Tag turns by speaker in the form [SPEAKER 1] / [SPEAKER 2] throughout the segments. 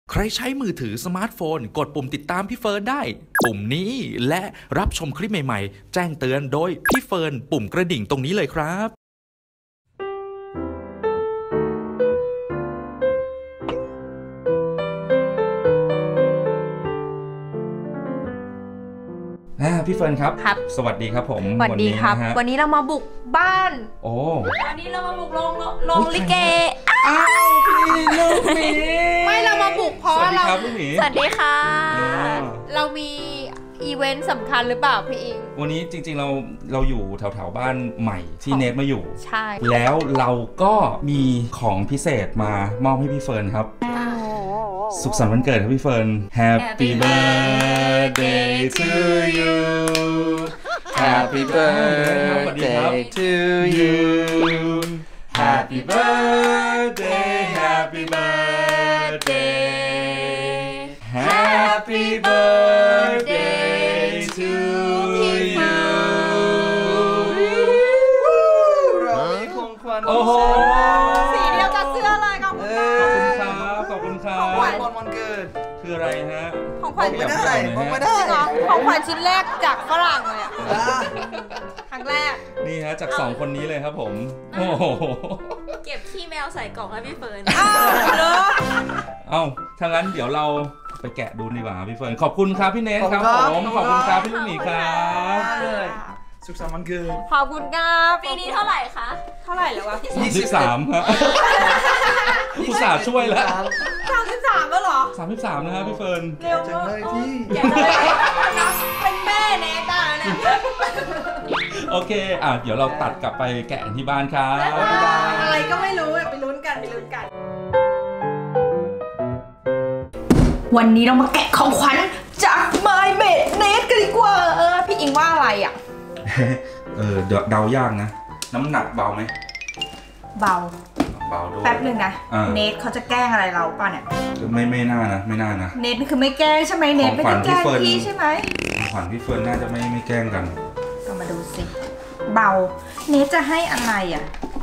[SPEAKER 1] ใครใช้มือถือสมาร์ทโฟนกดปุ่มติดตามพี่เฟิร์นได้ปุ่มนี้และรับชมคลิปใหม่ๆแจ้งเตือนโดยพี่เฟิร์นปุ่มกระดิ่งตรงนี้เลยครับพี่เฟิร์นครับสวัสดีครับผม
[SPEAKER 2] สวัสดีครับวันนี้เรามาบุกบ้าน
[SPEAKER 1] โอ้
[SPEAKER 2] วันนี้เรามาบุกโรงลิเก
[SPEAKER 1] อ้าวพี่ลูกหมี
[SPEAKER 2] ไม่เรามาบุกเพราะเรา
[SPEAKER 1] สวัสดีค่ะ
[SPEAKER 2] เรามีอีเวนต์สำคัญหรือเปล่าพี่อิง
[SPEAKER 1] วันนี้จริงๆเราอยู่แถวๆบ้านใหม่ที่เนทมาอยู่
[SPEAKER 2] ใช่
[SPEAKER 1] แล้วเราก็มีของพิเศษมามอบให้พี่เฟิร์นครับสุขสันต์วันเกิดครับพี่เฟิร์น Happy birthday to you
[SPEAKER 3] Happy birthday to you
[SPEAKER 1] Happy birthday Happy birthday Happy birthday to you
[SPEAKER 3] เรามีของขวัญ
[SPEAKER 1] โอ้โห
[SPEAKER 2] สีเดียวกับเสื้อเลยขอบคุณ
[SPEAKER 1] ครับขอบคุณครับ
[SPEAKER 3] ของขวัญวันเกิด
[SPEAKER 1] คืออะไรฮะ
[SPEAKER 2] ของขวัญ
[SPEAKER 3] ไม่ได้
[SPEAKER 2] ของขวัญชิ้นแรกจากฝรั่งเลยอ่ะครั้งแรก
[SPEAKER 1] นี่ฮะจาก2คนนี้เลยครับผมโอ้โห
[SPEAKER 4] เก็บขี้แมวใส่กล่องให้พี่เฟิร์น
[SPEAKER 1] เอ้าถ้างั้นเดี๋ยวเราไปแกะดูดีกว่าพี่เฟิร์นขอบคุณครับพี่เนทครับผมขอบคุณครับพี่ลูกหมีครับ
[SPEAKER 3] สุขสันต์วันเกิด
[SPEAKER 2] ขอบคุณครับ
[SPEAKER 4] ปีนี้เท่าไหร่คะ
[SPEAKER 2] เท่าไหร่แล้ววะ
[SPEAKER 1] 23ครับผู้สาวช่วยแล้ว
[SPEAKER 2] 33แล้วเหรอ
[SPEAKER 1] 33นะครับพี่เฟิร์น
[SPEAKER 2] เร็วมากเป็นแม่เนตาเนี่ย
[SPEAKER 1] โอเคเดี๋ยวเราตัดกลับไปแกะที่บ้านครับ
[SPEAKER 2] อะไรก็ไม่รู้ไปลุ้นกันวันนี้เรามาแกะของขวัญจาก My Made Net กันดีกว่าพี่อิงว่าอะไรอ่ะ
[SPEAKER 1] เดายากนะน้ำหนักเบาไหม
[SPEAKER 2] เบา
[SPEAKER 1] ด้วย
[SPEAKER 2] แป๊บนึงนะเนทเขาจะแกล้งอะไรเราป่ะเนี่ย
[SPEAKER 1] ไม่น่านะ
[SPEAKER 2] เนทคือไม่แกล้งใช่ไหมเนทไม่ได้แกล้งพี่ใช่ไหม
[SPEAKER 1] ขวัญพี่เฟิร์นน่าจะไม่แกล้งกัน
[SPEAKER 2] ก็มาดูสิเบาเนทจะให้อะไรอ่ะ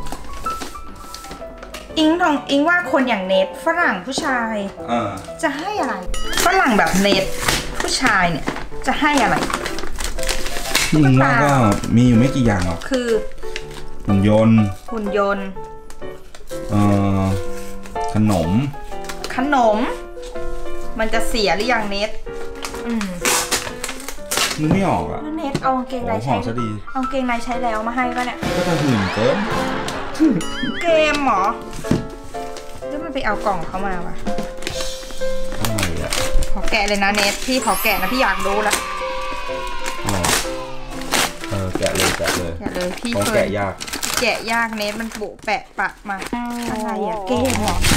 [SPEAKER 2] อิงว่าคนอย่างเนทฝรั่งผู้ชายจะให้อะไรฝรั่งแบบเนทผู้ชายเนี่ยจะให้อะไร
[SPEAKER 1] อิงว่าก็มีอยู่ไม่กี่อย่างหรอก
[SPEAKER 2] คือ
[SPEAKER 1] หุ่นยนต์ขนม
[SPEAKER 2] มันจะเสียหรือยังเนท
[SPEAKER 1] มันไม่ออกอ่ะ
[SPEAKER 2] เนทเอากางเกงในใช้เอากางเกงในใช้แล้วมาให้ป่ะเนี่ย
[SPEAKER 1] ก็จะหื่นเกิน
[SPEAKER 2] เกมหรอแล้วมันไปเอากล่องเขามาวะ
[SPEAKER 1] อะไรอ่ะ
[SPEAKER 2] ขอแกะเลยนะเนทพี่ขอแกะนะพี่อยากรู้ละ
[SPEAKER 1] แกะเลย
[SPEAKER 2] พี่
[SPEAKER 1] แกะ
[SPEAKER 2] ยากเนทมันบุแปะปะมาอะไรอ่ะเกมหรอ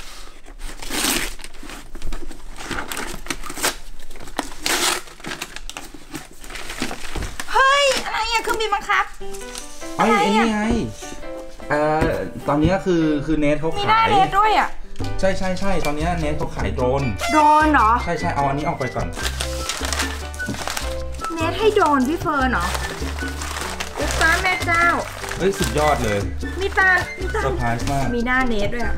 [SPEAKER 2] เฮ้ยอะไรอ่ะเครื่องบินบังคับ
[SPEAKER 1] ไอ้นี่ไงตอนนี้คือเนทเขาขาย
[SPEAKER 2] มีหน้าเนทด้วยอ่ะ
[SPEAKER 1] ใช่ตอนนี้เนทเขาขายโดรน
[SPEAKER 2] เหรอ
[SPEAKER 1] ใช่เอาอันนี้ออกไปก่อน
[SPEAKER 2] เนทให้โดรนพี่เฟิร์นเหรออุ๊ยฟ้าแม่เจ้า
[SPEAKER 1] เฮ้ยสุดยอดเลย
[SPEAKER 2] มีตา
[SPEAKER 1] เซอร์ไพรส์มาก
[SPEAKER 2] มีหน้าเนทด้วยอ่ะ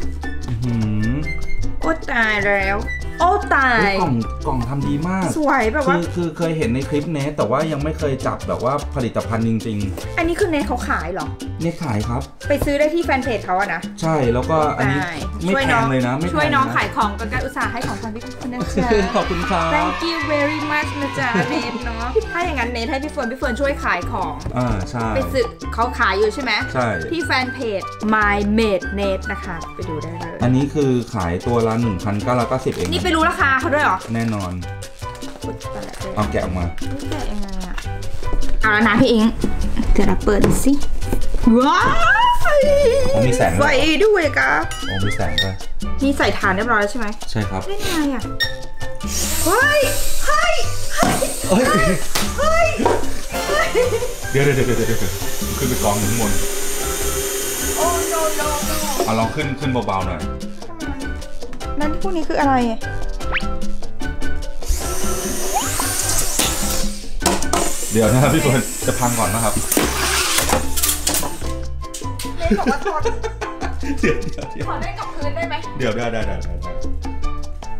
[SPEAKER 2] โอ้ตายแล้วโอ้ตาย
[SPEAKER 1] กล่องทำดีมาก
[SPEAKER 2] สวยแบบว่า
[SPEAKER 1] คือเคยเห็นในคลิปเนทแต่ว่ายังไม่เคยจับแบบว่าผลิตภัณฑ์จริง
[SPEAKER 2] ๆอันนี้คือเนทเขาขายเหรอ
[SPEAKER 1] เนทขายครับ
[SPEAKER 2] ไปซื้อได้ที่แฟนเพจเขาอะนะ
[SPEAKER 1] ใช่แล้วก็อันนี้ไม่แพงเลยนะ
[SPEAKER 2] ช่วยน้องขายของกันอุตส่าห์ให้ของขวัญพี่คนนั้นจ้า
[SPEAKER 1] ขอบคุณครับ
[SPEAKER 2] Thank you very much นะจ๊ะเนทเนาะถ้าอย่างนั้นเนทให้พี่เฟิร์นช่วยขายของ
[SPEAKER 1] ใช่
[SPEAKER 2] ไปซื้อเขาขายอยู่ใช่ไหม
[SPEAKER 1] ใช่
[SPEAKER 2] ที่แฟนเพจ My Made Net นะคะไปดูได้เลย
[SPEAKER 1] อันนี้คือขายตัวละ 1,990 เอง
[SPEAKER 2] นี่ไปรู้ราคาเขาด้วยเหรอ
[SPEAKER 1] แน่นอนเอาแกะออกมา
[SPEAKER 2] แกะยังไงอะเอาแล้วนะพี่อิงเดี๋ยวเราเปิดสิว้าว
[SPEAKER 1] มีแสง
[SPEAKER 2] ไฟด้วยครับ
[SPEAKER 1] มีแสงด้วย
[SPEAKER 2] มีใส่ถ่านเรียบร้อยแล้วใช่ไหม
[SPEAKER 1] ใช่ครับ
[SPEAKER 2] ได้ไงอะเฮ้ย
[SPEAKER 1] เดี๋ยวขึ้นไปกองหนึ่งบน
[SPEAKER 2] โอ้โน
[SPEAKER 1] เอาลองขึ้นเบาๆหน่อย
[SPEAKER 2] นั่นพวกนี้คืออะไร
[SPEAKER 1] เดี๋ยวนะครับพี่เฟิร์นจะพังก่อนนะครับ
[SPEAKER 2] ขอได้กับพื้นได้ไหม
[SPEAKER 1] เดี๋ยวได้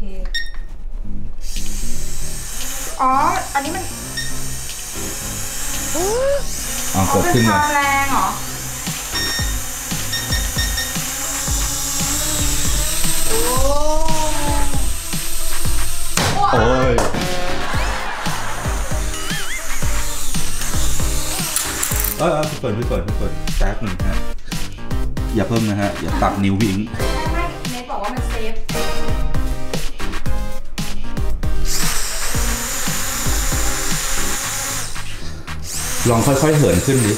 [SPEAKER 2] อ๋ออันนี้มัน
[SPEAKER 1] กดขึ้น
[SPEAKER 2] เป็น
[SPEAKER 1] เล
[SPEAKER 2] ควาย มแรงเหรอโอ้
[SPEAKER 1] โอ้ยพี่เปิดแป๊บหนึ่งฮะอย่าเพิ่มนะฮะอย่าตัดนิ้ววิ่ง
[SPEAKER 2] ไม่เนทบอกว่ามันเซฟ
[SPEAKER 1] ลองค่อยๆเหินขึ้นดิ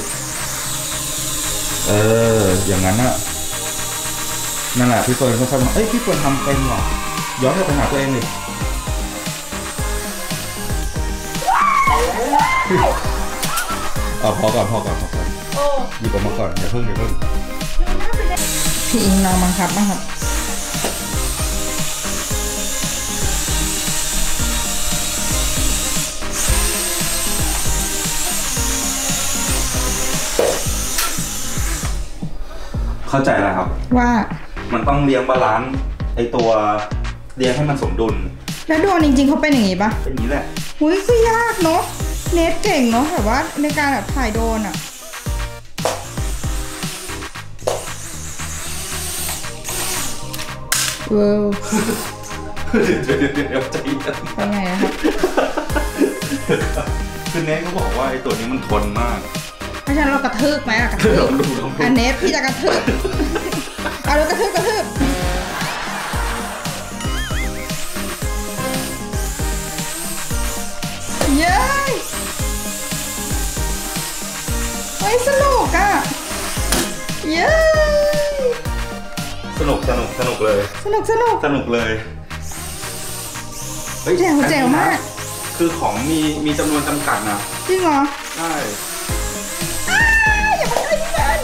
[SPEAKER 1] อย่างนั้นน่ะนั่นแหละพี่เฟิร์นค่อยๆพี่เฟิร์นทำเป็นเหรอย้อนกลับไปหาตัวเองดิพอก่อนหยิบออกมาก่อนอย่าเพิ่ง
[SPEAKER 2] พี่อิงลองบังคับบ้างครับ
[SPEAKER 1] เข้าใจแล้วครับ
[SPEAKER 2] ว่า
[SPEAKER 1] มันต้องเลี้ยงบาลานซ์ไอตัวเลี้ยงให้มันสมดุล
[SPEAKER 2] แล้วโดนจริงๆเขาเป็นอย่างนี้ปะ
[SPEAKER 1] เป็นอย่างนี้แหละ
[SPEAKER 2] หุ้ยคือยากเนาะเนทเก่งเนาะแบบว่าในการแบบถ่ายโดนอะเว้าว
[SPEAKER 1] เดี๋ยวใจเย็น
[SPEAKER 2] เป็นไงครับ
[SPEAKER 1] คือเนทเขาบอกว่าไอตัวนี้มันทนมาก
[SPEAKER 2] เพราะฉะนั้นเรากระทืบไหมอะกระทืบเนทพี่จะกระทืบเอาแล้วกระทืบเย้เฮ้ยสนุกอะเย้
[SPEAKER 1] สนุกเลย
[SPEAKER 2] สนุกเลยแจ๋วมาก
[SPEAKER 1] คือของมีจำนวนจำกัดนะ
[SPEAKER 2] จริงเหรอ
[SPEAKER 1] ใช่
[SPEAKER 2] อย่ามาใกล้พี่เฟิร์น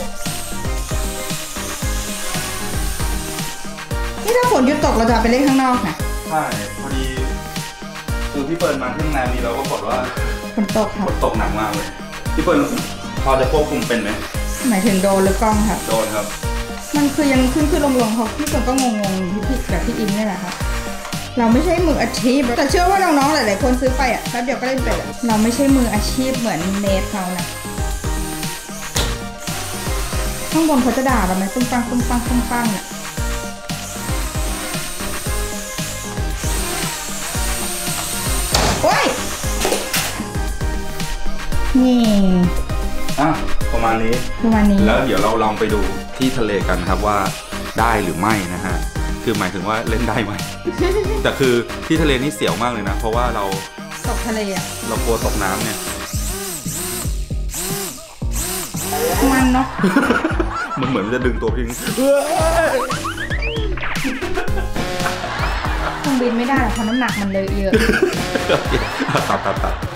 [SPEAKER 2] นี่ถ้าฝนหยุดตกเราจะไปเล่นข้างนอกนะ
[SPEAKER 1] ใช่พอดีคือพี่เฟิร์นมาที่โรงแรมนี้เราก็บอกว่า
[SPEAKER 2] ฝนตกครับ
[SPEAKER 1] ฝนตกหนักมากเลยพี่เฟิร์นพอจะควบคุมเป็นไหม
[SPEAKER 2] หมายถึงโดนหรือกล้องค่ะ
[SPEAKER 1] โดนครับ
[SPEAKER 2] มันคือยังขึ้นลงเขาพี่เฟิร์นก็งงพี่แบบพี่อินนี่แหละครับเราไม่ใช่มืออาชีพแต่เชื่อว่าน้องๆหลายๆคนซื้อไปอ่ะแป๊บเดียวก็เล่นเป็นเราไม่ใช่มืออาชีพเหมือนเนทเขานะข้างบนเขาจะด่าเราไหมปุ้งปังเนี่ยโอ้ยนี่
[SPEAKER 1] ประมาณนี้แล้วเดี๋ยวเราลองไปดูที่ทะเลกันครับว่าได้หรือไม่นะฮะคือหมายถึงว่าเล่นได้ไหม แต่คือที่ทะเลนี่เสียวมากเลยนะเพราะว่าเรา
[SPEAKER 2] ตกทะเลอ่ะ
[SPEAKER 1] เรากลัวตกน้ำเนี่ย
[SPEAKER 2] มันเนาะ
[SPEAKER 1] มันเหมือนจะดึงตัวทิ้ง
[SPEAKER 2] คงบินไม่ได้เพราะน้ำหนักมันเลยเยอะ
[SPEAKER 1] ตัด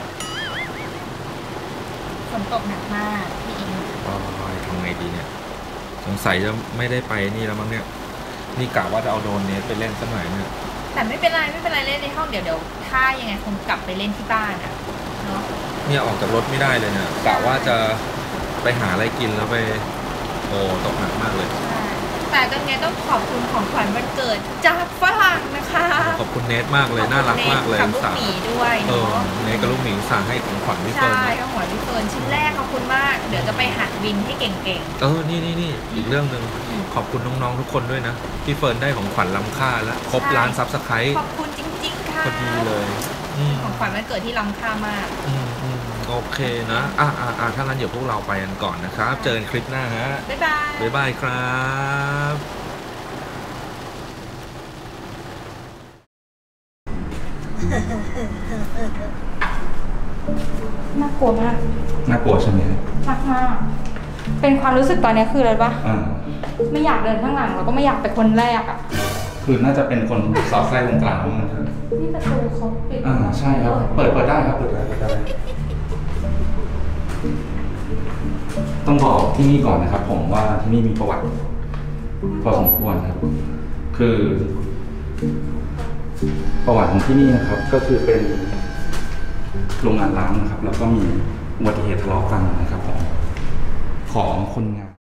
[SPEAKER 2] ฝนตกหนักมากพี่อิง
[SPEAKER 1] ทำไงดีเนี่ยสงสัยจะไม่ได้ไปนี่แล้วมั้งเนี่ยนี่กะว่าจะเอาโดรนเนสไปเล่นสักหน่อยเนี่ย
[SPEAKER 4] แต่ไม่เป็นไรเล่นในห้องเดี๋ยวถ้ายังไงคงกลับไปเล่นที่บ้านอะเนาะ
[SPEAKER 1] เนี่ยออกจากรถไม่ได้เลยเนี่ยกะว่าจะไปหาอะไรกินแล้วไปตกหนักมากเลย
[SPEAKER 4] แต่ก็ไงต้องขอบคุณของขวัญวันเกิดจากฝรั่งนะคะ
[SPEAKER 1] ขอบคุณเนทมากเลยน่ารักมากเลย
[SPEAKER 4] กับลูกหมีด้วย
[SPEAKER 1] เนทกับลูกหมีสั่งให้ของขวัญพี่เฟิร์น
[SPEAKER 4] ใช่ของขวัญพี่เฟิร์นชิ้นแรกขอบคุณมากเดี๋ยวจะไปหัดบินให้เก่ง
[SPEAKER 1] ๆนี่อีกเรื่องนึงขอบคุณน้องๆทุกคนด้วยนะพี่เฟิร์นได้ของขวัญล้ำค่าแล้วครบล้านซับสไครต์
[SPEAKER 4] ขอบคุณจริงๆค่ะ
[SPEAKER 1] พอดีเลย
[SPEAKER 4] ของขวัญวันเกิดที่ล้ำค่ามาก
[SPEAKER 1] โอเคนะถ้างั้นเดี๋ยวพวกเราไปกันก่อนนะครับเจอกันคลิปหน้าฮะ
[SPEAKER 4] บ๊าย
[SPEAKER 1] บายครับ
[SPEAKER 2] น่ากลัวมาก
[SPEAKER 1] น่ากลัวใช่ไหม
[SPEAKER 2] มากเป็นความรู้สึกตอนนี้คืออะไรปะไม่อยากเดินข้างหลังแล้วก็ไม่อยากเป็นคนแรกอ่ะ
[SPEAKER 1] คือน่าจะเป็นคนสอดไส้ตรงกลางมันเถอะ
[SPEAKER 2] นี่ประตูเขาปิด
[SPEAKER 1] ใช่ครับเปิดได้ครับเปิดได้ต้องบอกที่นี่ก่อนนะครับผมว่าที่นี่มีประวัติพอสมควรครับคือประวัติของที่นี่นะครับก็คือเป็นโรงงานร้างนะครับแล้วก็มีอุบัติเหตุทะเลาะกันนะครับของคนงาน